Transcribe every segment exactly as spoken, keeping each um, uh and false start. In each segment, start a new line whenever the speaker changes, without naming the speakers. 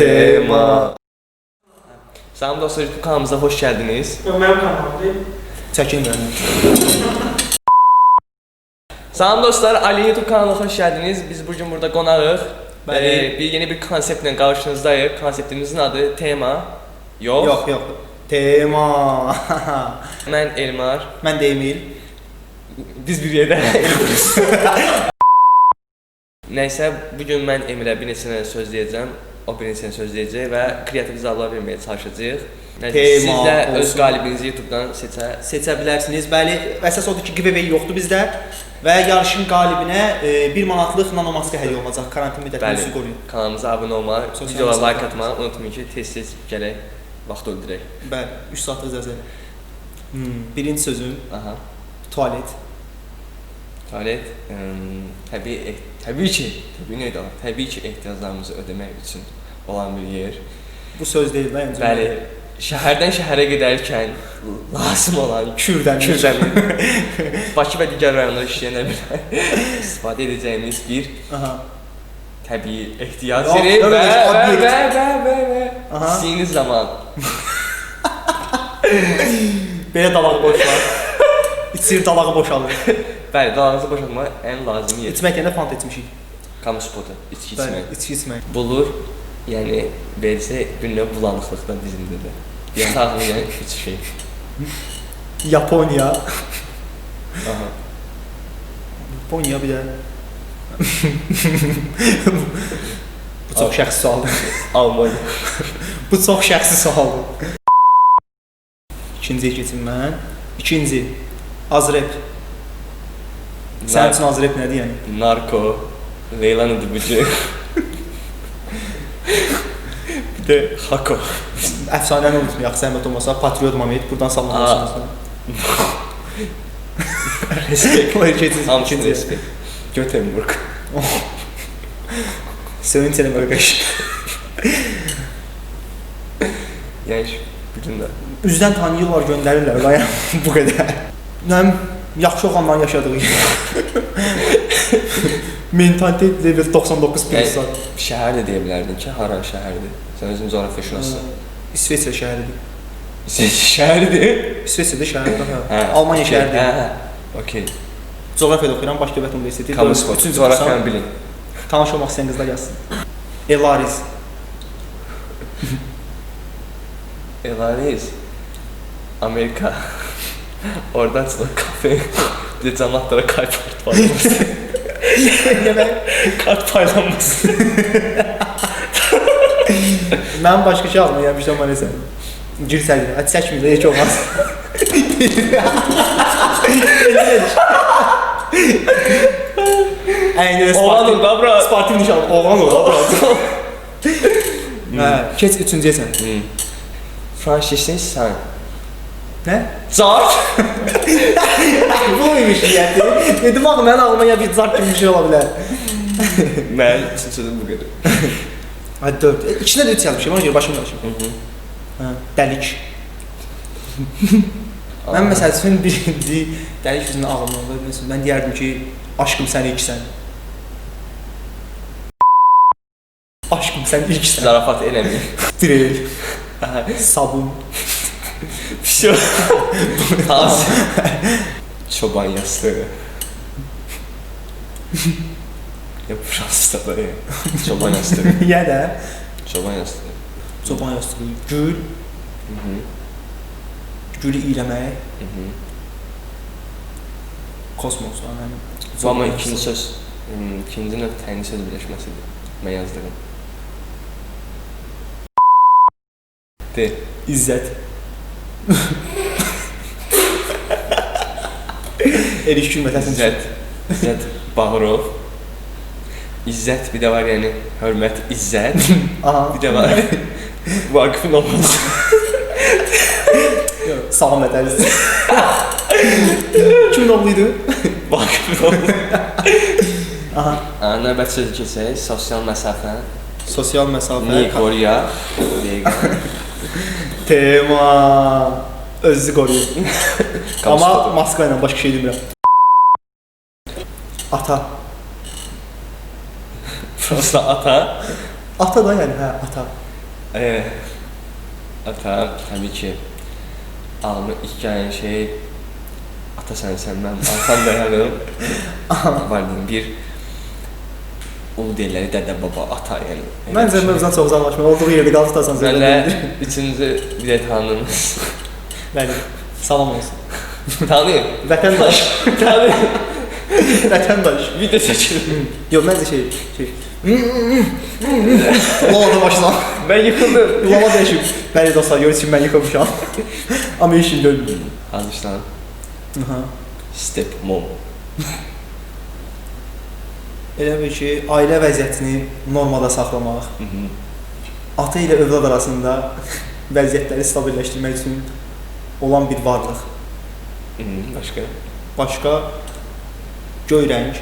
Tema. Salam dostlar, YouTube kanalımıza hoş geldiniz.
Mənim kanalımdır.
Çəkin mənim. Salam dostlar, Ali YouTube kanalına hoş geldiniz. Biz bugün burada qonağıq. Ee, bir yeni bir konseptle karşınızdayıq. Konseptimizin adı Tema. Yox.
Yox, yox. Tema.
Mən Elmar.
Mən də Emil.
Biz bir yerdə Elmarız. Nəysə, bugün mən Emirə bir neçə söz deyəcəm. O bir neçə söz deyəcək və kreativ cavablar verməyə çalışacağıq. Siz də öz qalibinizi YouTube'dan seçə
seçə bilərsiniz. Bəli, əsas odur ki, giveaway yoxdur bizdə və yarışın qalibinə e, bir manatlıq nanomaska hədiyyə olacaq. Karantin müddətini sizi qoruyun.
Kanalımıza abunə olmağı, videolara like atmağı unutmayın ki, tez-tez gələk, vaxt öldürək.
Bəli, üç saatlıq zəzəli. Hmm, birinci sözüm,
Aha.
tualet.
Tualet, ım, təbii, təbii ki, təbii neydi o? Təbii ki, ehtiyaclarımızı ödəmək üçün olan bir yer.
Bu söz deyil, mən öncə.
Bəli, şəhərdən şəhərə gedərkən lazım olan
Kürdəmir,
Kürdəmir, Bakı və digər rayonlarda işləyənə bilər istifadə edəcəyimiz bir
Aha.
təbii ehtiyac yeri və və və və və və istəyiniz zaman
belə dalağı boşlar, içir dalağı boşalır.
Bəli, dalağınızı boşaltmaq ən lazım yer.
İçmək yerində fant içmişik.
Kamu spotu, içki içmək.
Bəli, içki içmək.
Bulur, yəni versə bir növ bulanıqlıqdan dizindədir. Yatağını yəni üç şey.
Yaponiya.
Aha.
Yaponiya bir də. Bu çox şəxsi sualdır.
Almanya.
Bu çox şəxsi sualdır. İkinciyə keçim mən. İkinci, Azrep. Sənin üçün Azrep nədir yəni?
Narko, Leylanı Dubucu. Bir də Hako.
Əfsanəni unutmayaq, zəhmət olmasa, Patriot Mamet, buradan salamlaşırsınız.
Respekt. Hamısını respekt. Göteborg.
Sevinç eləmək qəş.
Yəni, bütün də.
Üzdən tanıyırlar, göndərirlər, layan bu qədər. Nəm, yaxşı olanların yaşadığı mentalitet level doxsan doqquz pluslar.
Şəhər də deyə bilərdin ki, haran şəhərdir? Sən özün coğrafiya şünasısın.
İsveçrə şəhəridir.
İsveçrə şəhəridir?
İsveçrədə şəhərdir. Almanya şəhəridir.
Hə, okey.
Coğrafiyada oxuyuram, Bakı Dövlət Universiteti.
Kamu spotu, coğrafiyanı bilin.
Tanış olmaq istəyən qızlar yazsın. Elariz.
Elariz. Amerika. Oradan çıxır kafe. Bir də cəmatlara kart paylanması. Kart paylanması.
Mən başqa şey almaymışam, mən nəsə. Gir sərdir, hadi çəkməyir, heç olmaz. Əyni
Oğlan ol da, bro.
Spartin nişanlı, oğlan ol da, bro. Keç üçüncüyə sən.
Franşisin sən.
Nə?
Zart!
Bu muymuş niyyəti? Dedim axı, mənim ağlıma ya bir zart kimi bir şey ola bilər.
Mən üçün sözüm bu qədər.
Hadi dörd. İçində də üç yazmışım, ona görə başım qarışım. Dəlik. Mən məsəl üçün birinci dəlik sözünün ağlımda oldu. Mən deyərdim ki, aşkım sən ilksən. Aşkım sən ilksən.
Zarafat eləməyim.
Diril. Sabun.
Pişo. Taz. Çoban yastığı. Ya Fransızda da ya. Çoban yastığı.
Ya da.
Çoban yastığı.
Çoban yastığı. Gül. Gülü iyləmək. Kosmos.
Bu ama ikinci söz. İkinci növ təni söz birləşməsidir. Mən yazdığım. De.
İzzət. Eriş gülmətəsin.
İzzət. İzzət Bağırov. İzzət bir də var yəni hörmət İzzət.
Aha.
Bir də var Vaqifin olması.
Salam edəriz. Kimin oğluydu?
Vaqifin olması.
Aha.
Növbət sözü keçək. Sosial məsafə.
Sosial məsafə.
Nikoriya.
Tema. Özü qoruyur. Amma maska ilə başqa şey demirəm. Ata.
Fransızda ata.
Ata da yəni, hə, ata.
Ee, ata tabii ki ağlıma ilk gelen şey ata sensən mən arxan dayanırım. Var dedim bir ulu deyirlər dədə baba ata yəni.
Məncə mövzudan çox uzaqlaşma. Olduğu yerdə qalıb tutasan
Mənlə
söylədim.
üçüncü bir də tanınız.
Bəli. Salam olsun.
Tanıyın.
Vətəndaş.
Tanıyın.
Vətəndaş.
Video çəkilir.
Yox, məncə şey, şey. Lava başla.
Mən yıxıldım.
Lava dəyişim. Bəli dostlar, görürsünüz ki, mən yıxılmışam. Amma heç şey görmürəm.
Hazırsan.
Aha.
Step mom.
Elə bir ki, ailə vəziyyətini normada saxlamaq, ata ilə övlad arasında vəziyyətləri stabilləşdirmək üçün olan bir varlıq.
Başqa?
Başqa göy rəng.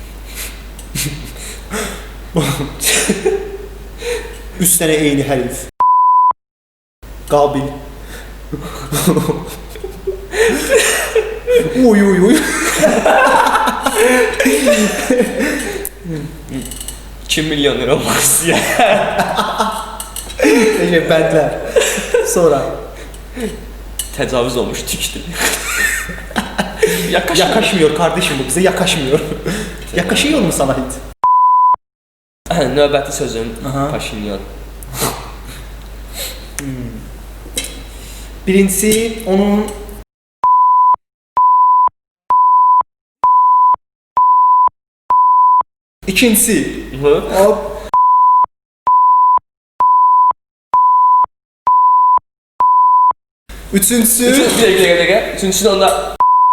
Üç dənə eyni hərf. Qabil. Uy uy uy.
iki milyon lira olmaq istəyir.
Necə bəndlər. Sonra
Təcavüz olmuş tükdür. Yakaşmıyor.
yakaşmıyor kardeşim bu bize yakaşmıyor. Yakaşıyor mu sana hiç?
Növbəti sözüm
Aha.
Paşinyan.
Hmm. Birincisi onun İkincisi hop. Üçüncüsü
Bir dakika, bir dakika, bir dakika. Üçüncüsü de onda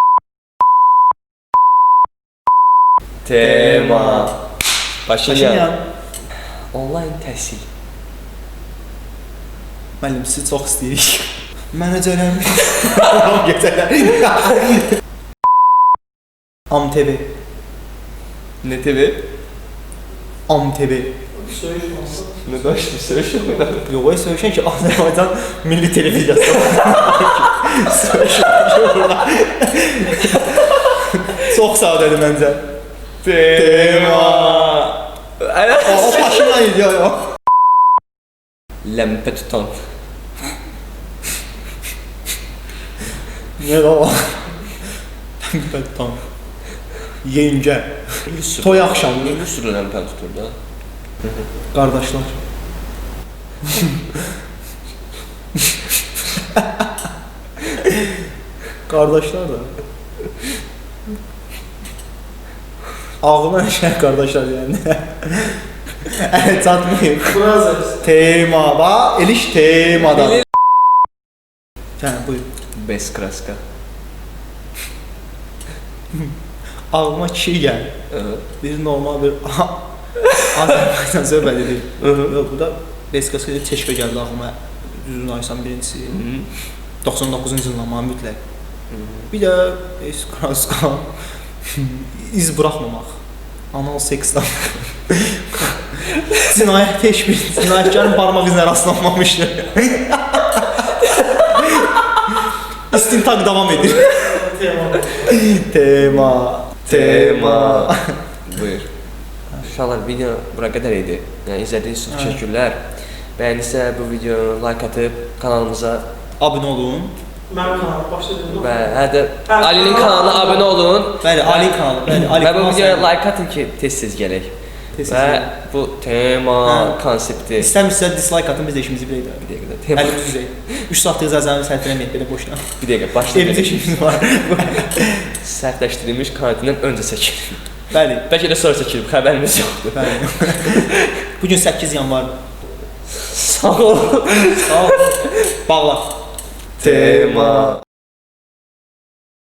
tema. Paşinyan.
Paşinyan.
Online təhsil.
Müəllim sizi çox istəyirik. Mənə cələnmiş. Gecələr. Am T V.
Ne T V?
Am T V.
Ne başlı söyleşi mi?
Yox, o söyləşən ki, Azərbaycan Milli Televiziyası. Söyləşən çox sadədir məncə.
Tema.
O Paşinyan idi ya.
Ləmpə tutan.
Ne o? Tam. Yengə. Toy axşamı.
Bir sürü ləmpə tutur da.
Qardaşlar. Qardaşlar da. Ağlıma şey qardaşlar yani. Evet, çatmayayım. Tema va, eliş temada. Tamam, buyur.
Bez kraska.
Ağlıma iki şey geldi.
Evet.
Bir normal bir Azərbaycan söhbəti deyil. Yox, bu da Beskaska ilə Teşkə gəldi ağlıma. Düzün aysan birincisi. doxsan doqquzuncu ilin ama mütləq. Bir də Beskaska iz buraxmamaq. Anal seksdən. Cinayət teşbih, cinayətkarın parmaq izinə rastlanmamışdır. İstintaq davam edir. Tema. Tema. Tema.
Buyur. Uşaqlar, video bura qədər idi. Yəni izlədiyiniz üçün təşəkkürlər. Bəyənirsə bu videonu like atıb kanalımıza
abunə olun.
Mənim kanalım başladım.
və hə də Ali'nin kanalına abunə olun.
Bəli, Ali kanalı. Bəli, Ali
Və bu
kanalı.
videoya like atın ki, tez-tez gələk.
Tez-tez
Və
gələk.
bu tema
Hə.
konsepti
İstəmirsə dislike atın, biz də işimizi bilək də.
bir dəqiqə. Tema
Əli düzək. üç saatlıq zəzəni sərf eləməyək belə boşuna.
bir dəqiqə
Evimizdə
başlayaq.
işimiz var.
Sərtləşdirilmiş karantindən öncə çəkilir.
Bəli.
Bəlkə də sonra çəkilib, xəbərimiz yoxdur.
Bəli. Bu gün səkkiz yanvar.
Sağ ol.
Sağ ol. Bağla.
Tema.